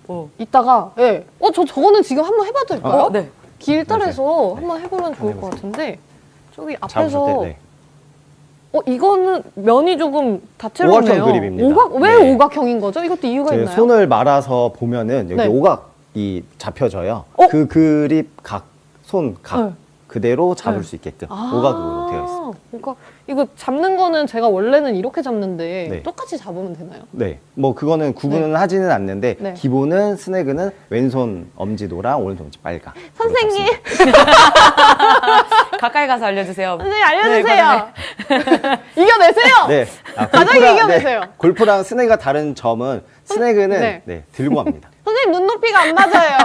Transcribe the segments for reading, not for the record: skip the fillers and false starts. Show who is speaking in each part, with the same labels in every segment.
Speaker 1: 이따가 저거는 지금 한번 해봐도 될까요?
Speaker 2: 네.
Speaker 1: 길다래서 한번 해보면 좋을 것 같은데 저기 앞에서
Speaker 3: 잡으실 때,
Speaker 1: 이거는 면이 조금 다채롭네요.
Speaker 3: 오각형 그립입니다.
Speaker 1: 왜
Speaker 3: 네.
Speaker 1: 오각형인 거죠? 이것도 이유가 있나요?
Speaker 3: 손을 말아서 보면은 여기
Speaker 1: 네.
Speaker 3: 오각이 잡혀져요. 그 그립 각, 손 각
Speaker 1: 네.
Speaker 3: 그대로 잡을 수 있게끔 오각으로 되어 있습니다.
Speaker 1: 그러니까 이거 잡는 거는 제가 원래는 이렇게 잡는데
Speaker 3: 네.
Speaker 1: 똑같이 잡으면 되나요?
Speaker 3: 네, 뭐 그거는 구분은 하지는 않는데
Speaker 1: 네.
Speaker 3: 기본은 스네그는 왼손 엄지 노랑 오른손 엄지 빨강.
Speaker 1: 선생님!
Speaker 2: 가까이 가서 알려주세요.
Speaker 1: 선생님 알려주세요! 이겨내세요!
Speaker 3: 네,
Speaker 1: 가장 이겨내세요.
Speaker 3: 골프랑 스네그가 다른 점은 스네그는
Speaker 1: 네.
Speaker 3: 들고 합니다.
Speaker 1: 선생님 눈높이가 안 맞아요.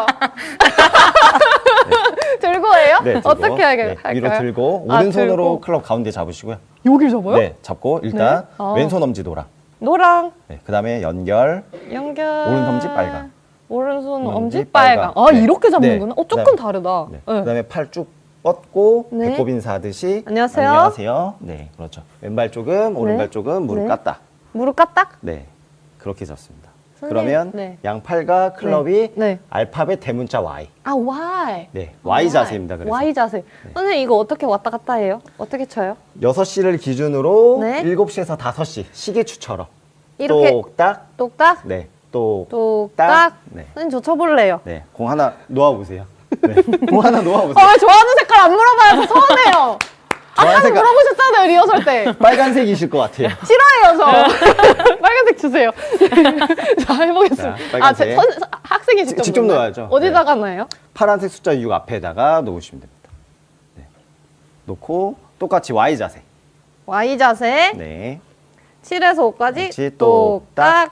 Speaker 1: 들고 해요?
Speaker 3: 네, 들고.
Speaker 1: 어떻게 할까요?
Speaker 3: 위로 들고
Speaker 1: 아,
Speaker 3: 오른손으로
Speaker 1: 들고.
Speaker 3: 클럽 가운데 잡으시고요.
Speaker 1: 여길 잡아요?
Speaker 3: 네, 잡고 일단
Speaker 1: 네.
Speaker 3: 왼손 엄지 노랑.
Speaker 1: 노랑
Speaker 3: 네, 그다음에 연결.
Speaker 1: 연결
Speaker 3: 오른손 엄지 빨강.
Speaker 1: 오른손
Speaker 3: 엄지
Speaker 1: 엄지 빨강.
Speaker 3: 빨강. 네.
Speaker 1: 이렇게 잡는구나.
Speaker 3: 네.
Speaker 1: 조금 다르다.
Speaker 3: 네.
Speaker 1: 네.
Speaker 3: 그다음에 팔 쭉 뻗고
Speaker 1: 네.
Speaker 3: 배꼽 인사하듯이
Speaker 1: 안녕하세요.
Speaker 3: 안녕하세요. 네, 그렇죠. 왼발 조금, 오른발 조금 무릎
Speaker 1: 네.
Speaker 3: 깠다.
Speaker 1: 무릎 까딱?
Speaker 3: 네, 그렇게 잡습니다.
Speaker 1: 선생님,
Speaker 3: 그러면
Speaker 1: 네.
Speaker 3: 양팔과 클럽이
Speaker 1: 네.
Speaker 3: 알파벳 대문자 Y.
Speaker 1: Y.
Speaker 3: 네, Y 자세입니다. 그래서
Speaker 1: Y 자세. 선생님 이거 어떻게 왔다 갔다 해요? 어떻게 쳐요?
Speaker 3: 6시를 기준으로
Speaker 1: 네.
Speaker 3: 7시에서 5시 시계추처럼
Speaker 1: 이렇게
Speaker 3: 똑딱,
Speaker 1: 똑딱
Speaker 3: 네, 똑딱,
Speaker 1: 똑딱.
Speaker 3: 네,
Speaker 1: 선생님 저 쳐볼래요.
Speaker 3: 네, 공 하나 놓아보세요. 네, 공 하나 놓아보세요.
Speaker 1: 왜 좋아하는 색깔 안 물어봐요? 저 서운해요. 아까
Speaker 3: 색깔-
Speaker 1: 물어보셨잖아요 리허설 때.
Speaker 3: 빨간색이실 것 같아요.
Speaker 1: 싫어해요 저. 빨간색 주세요. 자 해보겠습니다.
Speaker 3: 자, 빨간색.
Speaker 1: 학생이 직접
Speaker 3: 직접
Speaker 1: 넣나요?
Speaker 3: 넣어야죠.
Speaker 1: 어디다가 넣어요?
Speaker 3: 파란색 숫자 6 앞에다가 놓으시면 됩니다. 네. 놓고 똑같이 Y 자세.
Speaker 1: Y 자세.
Speaker 3: 네.
Speaker 1: 7에서 5까지
Speaker 3: 그렇지,
Speaker 1: 똑딱.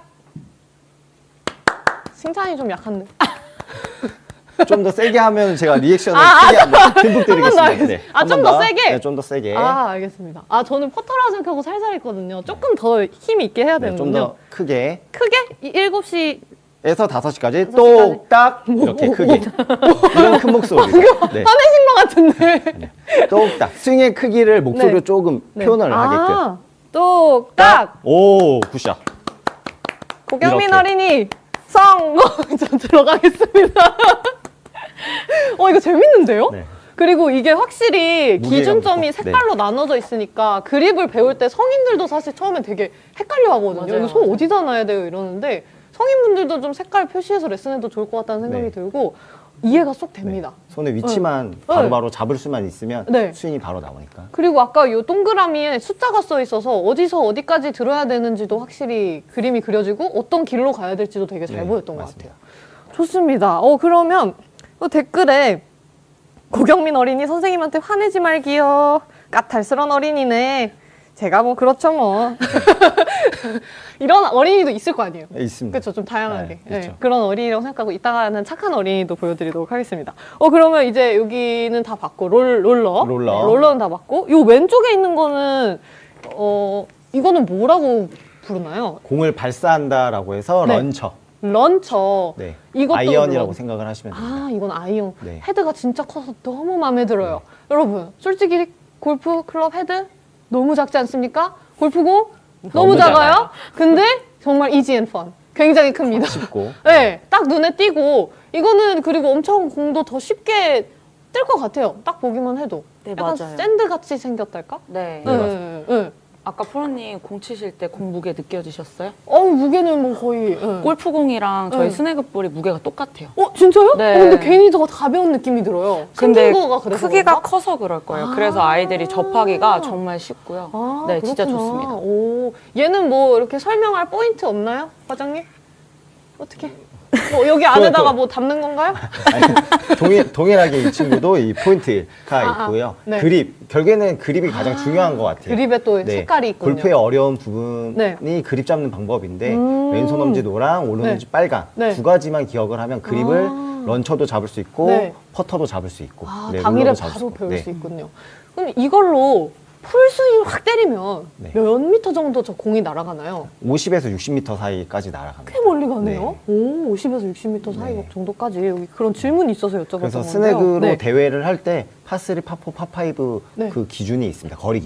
Speaker 1: 칭찬이 좀 약한데.
Speaker 3: 좀 더 세게 하면 제가 리액션을
Speaker 1: 아,
Speaker 3: 크게 한번 듬뿍
Speaker 1: 더
Speaker 3: 드리겠습니다.
Speaker 1: 하겠습니다. 아,
Speaker 3: 한번
Speaker 1: 좀더 세게?
Speaker 3: 네, 좀 더 세게.
Speaker 1: 아 알겠습니다. 아 저는 퍼터라고 생각하고 살살 했거든요. 조금 더 힘 있게 해야
Speaker 3: 네, 좀
Speaker 1: 되는군요.
Speaker 3: 더 크게.
Speaker 1: 크게 7시
Speaker 3: 에서 5시까지
Speaker 1: 5시까지.
Speaker 3: 똑딱 이렇게 크게. 이런 큰 목소리. 네.
Speaker 1: 화내신 것 같은데.
Speaker 3: 똑딱. 스윙의 크기를 목소리로
Speaker 1: 네.
Speaker 3: 조금
Speaker 1: 네.
Speaker 3: 표현을 하게끔.
Speaker 1: 아, 똑딱.
Speaker 3: 오, 굿샷.
Speaker 1: 고경민
Speaker 3: 이렇게.
Speaker 1: 어린이 성공. 저 들어가겠습니다. 이거 재밌는데요?
Speaker 3: 네.
Speaker 1: 그리고 이게 확실히
Speaker 3: 무게감도
Speaker 1: 기준점이
Speaker 3: 있고.
Speaker 1: 색깔로 나눠져 있으니까 그립을 배울 때 성인들도 사실 처음엔 되게 헷갈려 하거든요.
Speaker 2: 맞아요,
Speaker 1: 이거 손
Speaker 2: 맞아요.
Speaker 1: 어디다 놔야 돼요? 이러는데 성인분들도 좀 색깔 표시해서 레슨해도 좋을 것 같다는 생각이
Speaker 3: 네.
Speaker 1: 들고 이해가 쏙 됩니다.
Speaker 3: 손의 위치만
Speaker 1: 네.
Speaker 3: 바로바로 잡을 수만 있으면
Speaker 1: 네.
Speaker 3: 스윙이 바로 나오니까.
Speaker 1: 그리고 아까 이 동그라미에 숫자가 써 있어서 어디서 어디까지 들어야 되는지도 확실히 그림이 그려지고 어떤 길로 가야 될지도 되게 잘
Speaker 3: 네,
Speaker 1: 보였던 것
Speaker 3: 맞습니다.
Speaker 1: 같아요. 좋습니다. 그러면 댓글에 고경민 어린이 선생님한테 화내지 말기요. 까탈스런 어린이네. 제가 뭐 그렇죠 뭐. 이런 어린이도 있을 거 아니에요.
Speaker 3: 네, 있습니다.
Speaker 1: 그렇죠. 좀 다양하게.
Speaker 3: 네, 있죠.
Speaker 1: 그런 어린이라고 생각하고 이따가는 착한 어린이도 보여드리도록 하겠습니다. 그러면 이제 여기는 다 봤고 롤러.
Speaker 3: 롤러.
Speaker 1: 네, 롤러는 다 봤고 요 왼쪽에 있는 거는 이거는 뭐라고 부르나요?
Speaker 3: 공을 발사한다라고 해서
Speaker 1: 네.
Speaker 3: 런처.
Speaker 1: 런처.
Speaker 3: 네.
Speaker 1: 이것도
Speaker 3: 아이언이라고
Speaker 1: 런.
Speaker 3: 생각을 하시면 됩니다.
Speaker 1: 아, 이건 아이언.
Speaker 3: 네.
Speaker 1: 헤드가 진짜 커서 너무 마음에 들어요. 여러분, 솔직히 골프 클럽 헤드 너무 작지 않습니까? 골프공 너무 작아요.
Speaker 3: 작아요.
Speaker 1: 근데 정말 이지 앤 펀. 굉장히 큽니다.
Speaker 3: 쉽고.
Speaker 1: 네, 딱 눈에 띄고 이거는 그리고 엄청 공도 더 쉽게 뜰 것 같아요. 딱 보기만 해도.
Speaker 2: 네,
Speaker 1: 약간
Speaker 2: 맞아요.
Speaker 1: 샌드 같이 생겼달까?
Speaker 2: 네.
Speaker 3: 네,
Speaker 1: 네, 네.
Speaker 2: 아까 프로님 공 치실 때 공 무게 느껴지셨어요?
Speaker 1: 무게는 뭐 거의. 네.
Speaker 2: 골프공이랑 저희
Speaker 1: 네.
Speaker 2: 스네그볼이 무게가 똑같아요.
Speaker 1: 진짜요?
Speaker 2: 네.
Speaker 1: 근데 괜히 더 가벼운 느낌이 들어요.
Speaker 2: 근데
Speaker 1: 생긴 거가 그래서
Speaker 2: 크기가
Speaker 1: 그런가?
Speaker 2: 커서 그럴 거예요.
Speaker 1: 아.
Speaker 2: 그래서 아이들이 접하기가 정말 쉽고요. 네, 진짜
Speaker 1: 그렇구나.
Speaker 2: 좋습니다.
Speaker 1: 오, 얘는 뭐 이렇게 설명할 포인트 없나요, 과장님? 어떻게? 여기 안에다가 뭐 담는 건가요?
Speaker 3: 아니, 동일하게 이 친구도 이 포인트가 있고요.
Speaker 1: 네.
Speaker 3: 그립, 결국에는 그립이 가장 중요한 것 같아요.
Speaker 1: 그립에 또
Speaker 3: 네.
Speaker 1: 색깔이 있군요.
Speaker 3: 골프의 어려운 부분이
Speaker 1: 네.
Speaker 3: 그립 잡는 방법인데 왼손 엄지 노랑 오른손 엄지
Speaker 1: 네.
Speaker 3: 빨강
Speaker 1: 네.
Speaker 3: 두 가지만 기억을 하면 그립을 런처도 잡을 수 있고
Speaker 1: 네.
Speaker 3: 퍼터도 잡을 수 있고 네,
Speaker 1: 당일에
Speaker 3: 롤러도 잡을
Speaker 1: 바로
Speaker 3: 있고.
Speaker 1: 배울
Speaker 3: 네.
Speaker 1: 수 있군요. 그럼 이걸로 풀스윙 확 때리면
Speaker 3: 네.
Speaker 1: 몇 미터 정도 저 공이 날아가나요?
Speaker 3: 50에서 60m 사이까지 날아갑니다.
Speaker 1: 꽤 멀리 가네요.
Speaker 3: 네.
Speaker 1: 오, 50에서 60m 사이
Speaker 3: 네.
Speaker 1: 정도까지 여기 그런 질문이 있어서 여쭤봤던
Speaker 3: 그래서
Speaker 1: 건데요.
Speaker 3: 스네그로
Speaker 1: 네.
Speaker 3: 대회를 할 때 파3, 파4, 파5
Speaker 1: 네.
Speaker 3: 그 기준이 있습니다. 거리 기준이.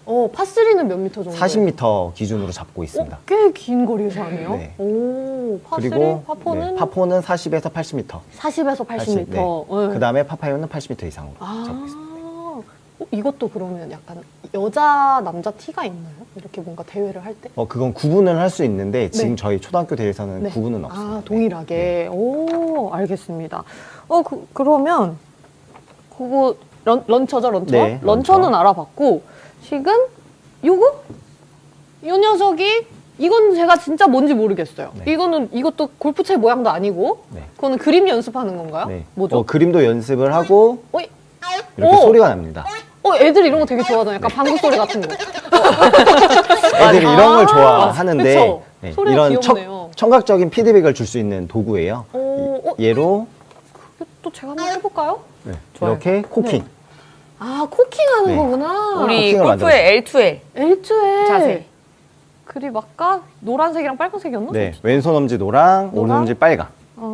Speaker 1: 파3는 몇 미터 정도?
Speaker 3: 40m 기준으로 잡고 있습니다.
Speaker 1: 꽤 긴 거리에서 하네요.
Speaker 3: 네.
Speaker 1: 오, 파3,
Speaker 3: 그리고
Speaker 1: 파4는
Speaker 3: 네, 파4는 40에서 80m.
Speaker 1: 40에서 80m.
Speaker 3: 네. 그 다음에 파5는 80m 이상으로 잡고 있습니다.
Speaker 1: 이것도 그러면 약간 여자, 남자 티가 있나요? 이렇게 뭔가 대회를 할 때?
Speaker 3: 그건 구분을 할 수 있는데 지금
Speaker 1: 네.
Speaker 3: 저희 초등학교 대회에서는
Speaker 1: 네.
Speaker 3: 구분은 없습니다.
Speaker 1: 아, 동일하게. 오, 알겠습니다. 그러면 그거 런처죠, 런처?
Speaker 3: 네,
Speaker 1: 런처는
Speaker 3: 런처.
Speaker 1: 알아봤고 지금 요거? 이 녀석이 이건 제가 진짜 뭔지 모르겠어요.
Speaker 3: 네.
Speaker 1: 이것도 골프채 모양도 아니고
Speaker 3: 네.
Speaker 1: 그거는 그림 연습하는 건가요?
Speaker 3: 네.
Speaker 1: 뭐죠?
Speaker 3: 그림도 연습을 하고
Speaker 1: 어이?
Speaker 3: 이렇게
Speaker 1: 오!
Speaker 3: 소리가 납니다.
Speaker 1: 애들 이런 거 되게 좋아하잖아요. 약간 방구 소리 같은 거.
Speaker 3: 애들이 이런 걸 좋아하는데
Speaker 1: 그쵸?
Speaker 3: 네,
Speaker 1: 소리가
Speaker 3: 이런
Speaker 1: 귀엽네요.
Speaker 3: 청각적인 피드백을 줄 수 있는 도구예요. 얘로
Speaker 1: 또 제가 한번 해볼까요?
Speaker 3: 네,
Speaker 2: 좋아요.
Speaker 3: 이렇게 코킹.
Speaker 1: 아, 코킹하는
Speaker 3: 네.
Speaker 1: 거구나.
Speaker 2: 우리
Speaker 3: 코킹을
Speaker 2: 골프의 L2L
Speaker 1: L2에
Speaker 2: 자세.
Speaker 1: 그림 아까 노란색이랑 빨간색이었나?
Speaker 3: 네, 왼손 엄지 노랑, 오른
Speaker 1: 노랑?
Speaker 3: 엄지 빨강.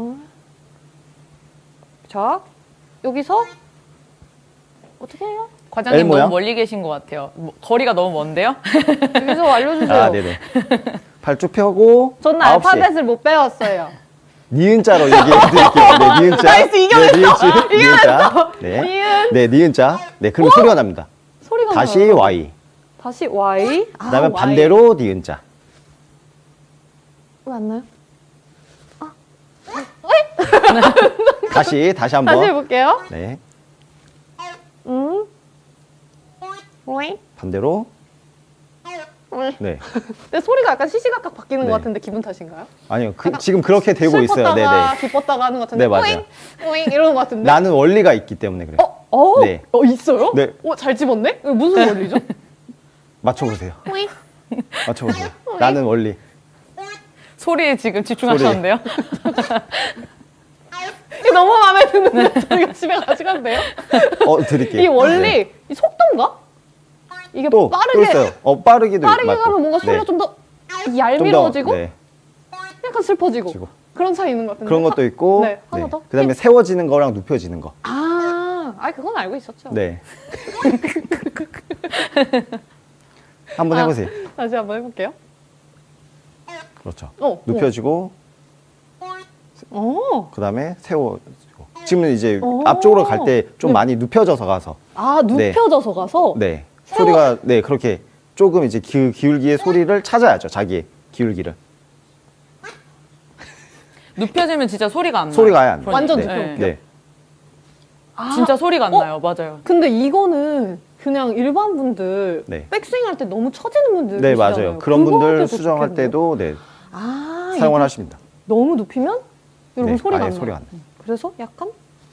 Speaker 1: 자, 여기서 어떻게 해요?
Speaker 2: 과장님
Speaker 3: L 모양?
Speaker 2: 너무 멀리 계신 것 같아요. 거리가 너무 먼데요?
Speaker 1: 여기서 알려주세요.
Speaker 3: 아, 네네. 발 쭉 펴고
Speaker 1: 저는
Speaker 3: 9시.
Speaker 1: 알파벳을 못 배웠어요.
Speaker 3: 니은자로 얘기해드릴게요. 네, 니은자.
Speaker 1: 나이스, 이겨냈어.
Speaker 3: 네, 니은자. 네,
Speaker 1: 니은.
Speaker 3: 네, 니은자. 네, 그럼 소리가 납니다.
Speaker 1: 소리가
Speaker 3: 다시
Speaker 1: 나요.
Speaker 3: Y.
Speaker 1: 다시 Y.
Speaker 3: 그다음에
Speaker 1: Y.
Speaker 3: 반대로 니은자.
Speaker 1: 맞나요?
Speaker 3: 다시
Speaker 1: 다시
Speaker 3: 한번.
Speaker 1: 해볼게요.
Speaker 3: 네,
Speaker 1: 오잉.
Speaker 3: 반대로.
Speaker 1: 오잉.
Speaker 3: 네.
Speaker 1: 근데 소리가 약간 시시각각 바뀌는
Speaker 3: 네.
Speaker 1: 것 같은데 기분 탓인가요?
Speaker 3: 아니요,
Speaker 1: 약간
Speaker 3: 지금 그렇게 되고 있어요.
Speaker 1: 슬펐다가
Speaker 3: 네네.
Speaker 1: 기뻤다가 하는 것 같은데
Speaker 3: 네, 맞아요.
Speaker 1: 오잉 오잉 이러는 것 같은데
Speaker 3: 나는 원리가 있기 때문에 그래요. 네.
Speaker 1: 있어요?
Speaker 3: 네.
Speaker 1: 잘 집었네? 이거 무슨 원리죠?
Speaker 3: 맞춰보세요.
Speaker 1: 오잉.
Speaker 3: 맞춰보세요. 나는 원리.
Speaker 2: 소리에 지금 집중하셨는데요?
Speaker 1: 이게 너무 마음에 드는데 저희가 집에 가져가도 돼요?
Speaker 3: 드릴게요.
Speaker 1: 이 원리,
Speaker 3: 네.
Speaker 1: 이 속도인가? 이게
Speaker 3: 또
Speaker 1: 빠르게
Speaker 3: 있어요. 빠르게도
Speaker 1: 빠르게
Speaker 3: 맞고.
Speaker 1: 가면 뭔가 소리가
Speaker 3: 네.
Speaker 1: 좀 더
Speaker 3: 좀 더,
Speaker 1: 얄미워지고
Speaker 3: 네.
Speaker 1: 약간 슬퍼지고
Speaker 3: 지고.
Speaker 1: 그런 차이 있는 것 같은데
Speaker 3: 그런 것도 있고.
Speaker 1: 네, 하나 더.
Speaker 3: 그다음에 세워지는 거랑 눕혀지는 거.
Speaker 1: 그건 알고 있었죠.
Speaker 3: 네. 한번 해보세요.
Speaker 1: 다시 한번 해볼게요.
Speaker 3: 그렇죠.
Speaker 1: 눕혀지고.
Speaker 3: 눕혀지고 그다음에 세워지고. 지금은 이제
Speaker 1: 오.
Speaker 3: 앞쪽으로 갈 때 좀
Speaker 1: 네.
Speaker 3: 많이 눕혀져서 가서.
Speaker 1: 눕혀져서 가서
Speaker 3: 네.
Speaker 1: 세워-
Speaker 3: 소리가 네 그렇게 조금 이제 기울기의 소리를 찾아야죠. 자기의 기울기를.
Speaker 2: 눕혀지면 진짜 소리가 안 나요.
Speaker 3: 소리가 아예 안 나요.
Speaker 1: 완전
Speaker 3: 네.
Speaker 1: 눕혀볼게요.
Speaker 3: 네.
Speaker 2: 진짜 소리가 안 나요. 맞아요.
Speaker 1: 근데 이거는 그냥 일반 분들
Speaker 3: 네.
Speaker 1: 백스윙 할 때 너무 처지는 분들
Speaker 3: 네,
Speaker 1: 계시잖아요.
Speaker 3: 맞아요. 그런
Speaker 1: 그거 할
Speaker 3: 분들
Speaker 1: 때도
Speaker 3: 수정할
Speaker 1: 좋겠네요.
Speaker 3: 때도 네,
Speaker 1: 이거
Speaker 3: 사용을 하십니다.
Speaker 1: 너무 높이면 여러분
Speaker 3: 네,
Speaker 1: 소리가
Speaker 3: 아예
Speaker 1: 안 나요.
Speaker 3: 소리가 안 나요.
Speaker 1: 그래서 약간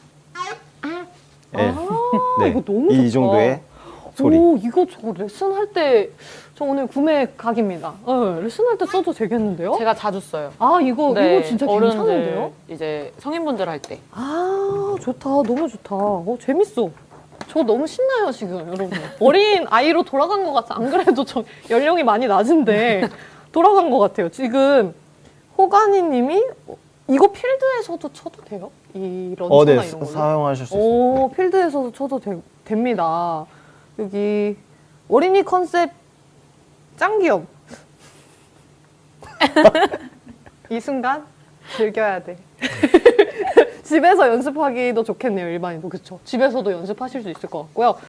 Speaker 3: 네. 네.
Speaker 1: 이거 너무
Speaker 3: 이
Speaker 1: 좋다.
Speaker 3: 정도의 소리.
Speaker 1: 오, 이거 저 레슨 할 때 저 오늘 구매 각입니다. 레슨 할 때 써도 되겠는데요?
Speaker 2: 제가 자주 써요.
Speaker 1: 이거 진짜
Speaker 2: 어른들,
Speaker 1: 괜찮은데요?
Speaker 2: 이제 성인분들 할 때.
Speaker 1: 좋다. 너무 좋다. 재밌어. 저 너무 신나요, 지금, 여러분. 어린 아이로 돌아간 것 같아. 안 그래도 저 연령이 많이 낮은데 돌아간 것 같아요. 지금 호가니 님이 이거 필드에서도 쳐도 돼요? 이 런처나
Speaker 3: 네,
Speaker 1: 이런 거.
Speaker 3: 사용하실 수 있습니다. 네.
Speaker 1: 필드에서도 쳐도 됩니다. 여기 어린이 컨셉 짱귀염. 이 순간 즐겨야 돼. 집에서 연습하기도 좋겠네요, 일반인도. 그쵸? 집에서도 연습하실 수 있을 것 같고요.